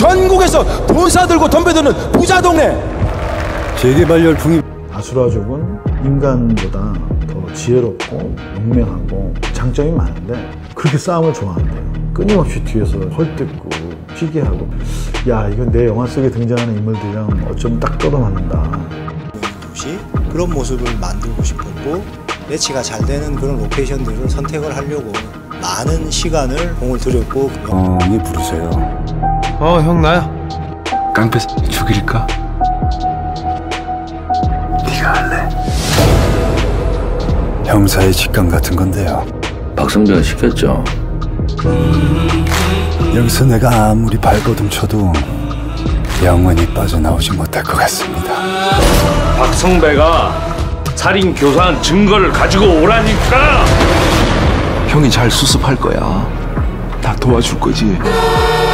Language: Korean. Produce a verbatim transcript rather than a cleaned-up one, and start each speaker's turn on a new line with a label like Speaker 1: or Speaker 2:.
Speaker 1: 전국에서 돈 사들고 덤벼드는 부자 동네.
Speaker 2: 재개발 열풍이.
Speaker 3: 아수라족은 인간보다 더 지혜롭고 용맹하고 장점이 많은데 그렇게 싸움을 좋아한대요. 끊임없이 뒤에서 헐뜯고 시기하고, 야, 이건 내 영화 속에 등장하는 인물들이랑 어쩜 딱 떨어맞는다.
Speaker 4: 그런 모습을 만들고 싶었고, 매치가 잘 되는 그런 로케이션들을 선택을 하려고 많은 시간을 공을 들였고.
Speaker 2: 형이 부르세요.
Speaker 5: 어, 형 나야.
Speaker 2: 깡패 죽일까? 네가 할래. 형사의 직감 같은 건데요.
Speaker 6: 박성배가 시켰죠.
Speaker 2: 여기서 내가 아무리 발버둥 쳐도 영원히 빠져나오지 못할 것 같습니다.
Speaker 6: 박성배가 살인 교사한 증거를 가지고 오라니까.
Speaker 5: 형이 잘 수습할 거야. 다 도와줄 거지.